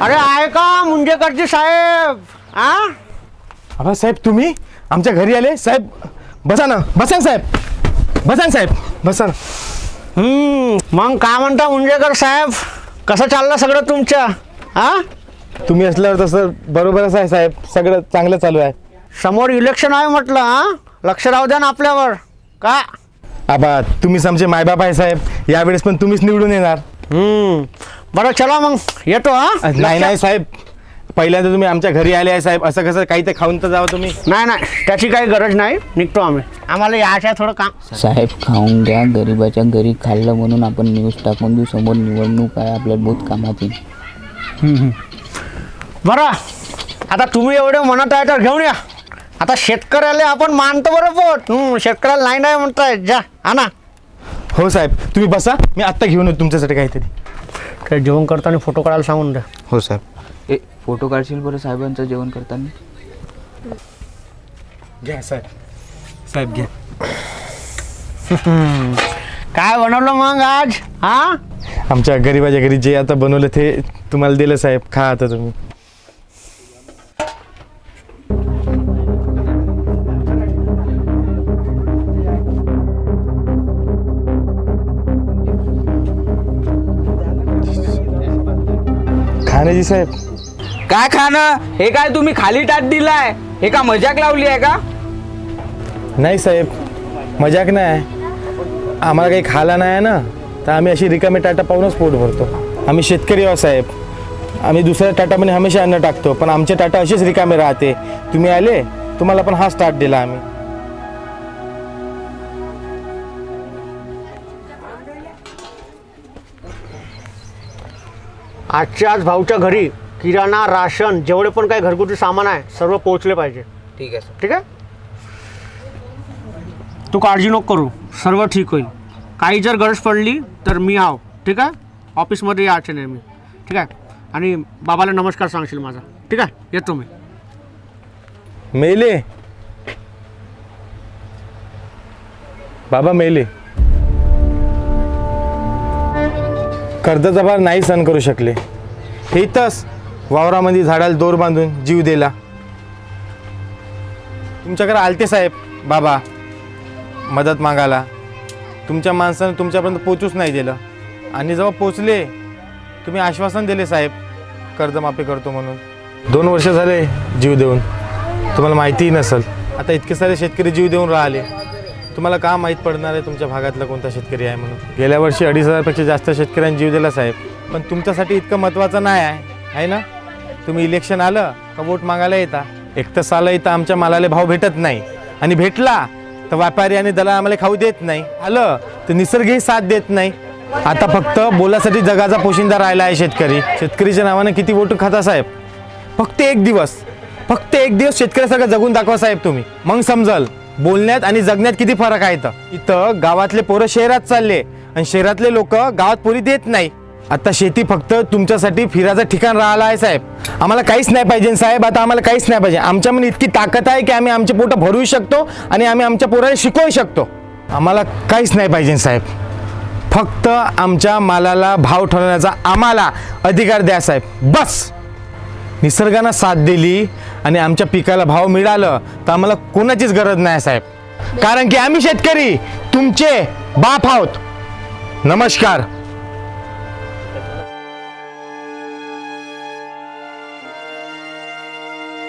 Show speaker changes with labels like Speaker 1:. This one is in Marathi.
Speaker 1: अरे आहे का मुंजेकरजी साहेब?
Speaker 2: अबा साहेब तुम्ही आमच्या घरी आले साहेब. बसा ना बसा ना साहेब, बसा ना साहेब, बसा ना.
Speaker 1: मग काय म्हणता मुंजेकर साहेब, कसं चाललं सगळं तुमच्या?
Speaker 2: तुम्ही असल्यावर तसं बरोबरच आहे साहेब, सगळं चांगलं चालू आहे.
Speaker 1: समोर इलेक्शन आहे म्हटलं, लक्ष राहू द्या ना आपल्यावर. का
Speaker 2: आबा तुम्हीच आमचे मायबाप आहे साहेब, यावेळेस पण तुम्हीच निवडून येणार.
Speaker 1: बरं चला मग येतो.
Speaker 2: नाही नाही साहेब, पहिल्यांदा तुम्ही आमच्या घरी आले आहे साहेब, असं कसं काही तर खाऊन तर जावं तुम्ही.
Speaker 1: नाही त्याची काही गरज नाही, निघतो आम्ही. आम्हाला यायचं आहे थोडं काम.
Speaker 3: साहेब खाऊन घ्या, गरीबाच्या घरी खाल्लं म्हणून आपण न्यूज टाकून देऊ, समोर निवडणूक आहे, आपल्याला बहुत कामात येईल.
Speaker 1: बरं आता तुम्ही एवढे म्हणत आहे तर घेऊन या. आता शेतकऱ्याला आपण मानतो बरोबर, शेतकऱ्याला नाही म्हणताय. जा आणा.
Speaker 2: हो साहेब तुम्ही बसा, मी आत्ता घेऊन येतो तुमच्यासाठी काहीतरी.
Speaker 1: काय जेवण करताना फोटो काढायला सांगून द्या.
Speaker 2: हो साहेब.
Speaker 3: फोटो काढशील बरं साहेबांचं जेवण करताना?
Speaker 2: घ्या साहेब, साहेब घ्या.
Speaker 1: काय बनवलं मग आज?
Speaker 2: आमच्या गरीबाच्या घरी जे आता बनवलं ते तुम्हाला दिलं साहेब, खा आता तुम्ही. खाण्याची साहेब.
Speaker 4: काय खाणं? हे काय तुम्ही खाली टाट दिलाय? हे का मजाक लावली आहे का?
Speaker 2: नाही साहेब मजाक नाही, आम्हाला काही खायला नाही आहे ना, तर आम्ही अशी रिकामी टाटा पाहूनच पोट भरतो. आम्ही शेतकरी आहोत साहेब, आम्ही दुसऱ्या टाटामध्ये हमेशा अन्न टाकतो, पण आमचे टाटा असेच रिकामे राहते. तुम्ही आले, तुम्हाला पण हा स्टार्ट दिला आम्ही.
Speaker 1: आजच्या आज भाऊच्या घरी किराणा, राशन, जेवढे पण काही घरगुती सामान आहे सर्व पोहोचले पाहिजे.
Speaker 4: ठीक आहे सर.
Speaker 1: ठीक आहे, तू काळजी नको करू, सर्व ठीक होईल. काही जर गरज पडली तर मी आहो. ठीक आहे, ऑफिसमध्ये यायचे नाही मी. ठीक आहे, आणि बाबाला नमस्कार सांगशील माझा. ठीक आहे, येतो मी.
Speaker 2: मेले बाबा, मेले. कर्जाचा भार नाही सहन करू शकले, हे इथंच वावरामध्ये झाडाला दोर बांधून जीव दिला. तुमच्याकडे आलते साहेब बाबा मदत मागायला, तुमच्या माणसानं तुमच्यापर्यंत पोचूच नाही दिलं, आणि जेव्हा पोचले तुम्ही आश्वासन दिले साहेब कर्जमाफी करतो म्हणून. 2 वर्ष झाले जीव देऊन, तुम्हाला माहितीही नसेल. आता इतके सारे शेतकरी जीव देऊन राहिले, तुम्हाला का माहीत पडणार आहे तुमच्या भागातला कोणता शेतकरी आहे म्हणून. गेल्या वर्षी 2,500पेक्षा जास्त शेतकऱ्यांनी जीव दिला साहेब, पण तुमच्यासाठी इतकं महत्त्वाचं नाही आहे ना. तुम्ही इलेक्शन आलं का वोट मागायला येता. एक तर साला इथं आमच्या मालाला भाव भेटत नाही, आणि भेटला तर व्यापारी आणि दलाल आम्हाला खाऊ देत नाही, आलं तर निसर्गही साथ देत नाही. आता फक्त बोलासाठी जगाचा पोशिंदा राहिला आहे शेतकरी. शेतकरीच्या नावानं किती वोट खाता साहेब. फक्त एक दिवस शेतकऱ्यासारखं जगून दाखवा साहेब तुम्ही, मग समजल बोलण्यात आणि जगण्यात किती फरक आहे. इथं गावातले पोरं शहरात चालले, आणि शहरातले लोक गावात पोरी देत नाही. आता शेती फक्त तुमच्यासाठी फिरायचं ठिकाण राहिलं आहे साहेब. आम्हाला काहीच नाही पाहिजे साहेब, आता आम्हाला काहीच नाही पाहिजे. आमच्यामध्ये इतकी ताकद आहे की आम्ही आमचे पोटं भरू शकतो, आणि आम्ही आमच्या पोराला शिकवू शकतो. आम्हाला काहीच नाही पाहिजे साहेब, फक्त आमच्या मालाला भाव ठरवण्याचा आम्हाला अधिकार द्या साहेब, बस. निसर्गानं साथ दिली आणि आमच्या पिकाला भाव मिळालं तर आम्हाला कोणाचीच गरज नाही साहेब, कारण की आम्ही शेतकरी तुमचे बाप आहोत. नमस्कार.